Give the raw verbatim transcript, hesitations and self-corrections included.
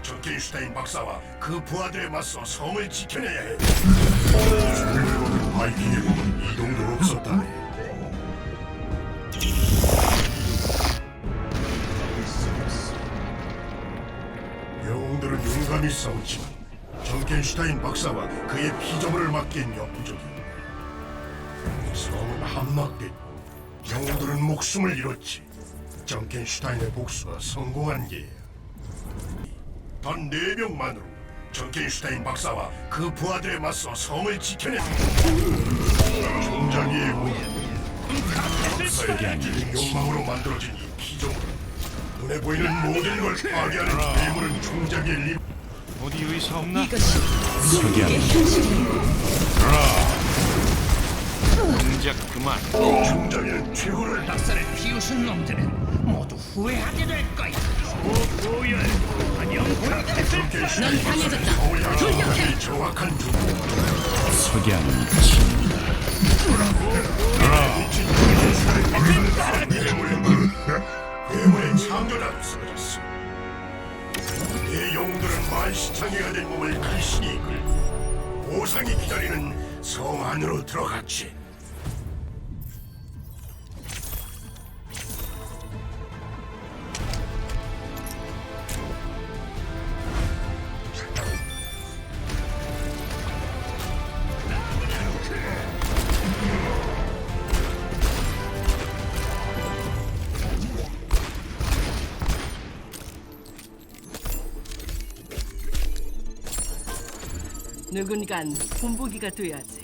정켄슈타인 박사와 그 부하들에 맞서 성을 지켜내야 해. 주민들은 바이킹의 몸은 이 정도 없었다네. 영웅들은 용감히 싸웠지만 정켄슈타인 박사와 그의 피조물을 막기엔 역부족이야. 성은 함락됐고 영웅들은 목숨을 잃었지. 정켄슈타인의 복수가 성공한 게야. 단 네 명만으로 정켄슈타인 박사와 그 부하들에 맞서 성을 지켜내. 종자기의 몸은 박사의 기질인 욕망으로 만들어진 이 피조물. 눈에 보이는 모든 걸 파괴하는 괴물은 종자기의 리. 어디 의사 없나? 이것이 누구의 현실이야. 동작 그만. 종자기는 최고를 박사를 비웃은 놈들은 모두 후회하게 될 거야. 오보열 안녕. 정켄슈타인 강해졌다. 성을 향한 가장 정확한 중. 석양은 괴물의 창조자도 쓰러졌어. 내 영웅들은 만시창이가 된 몸을 간신히 이끌고 보상이 기다리는 성 안으로 들어갔지. 누군간 본보기가 돼야지.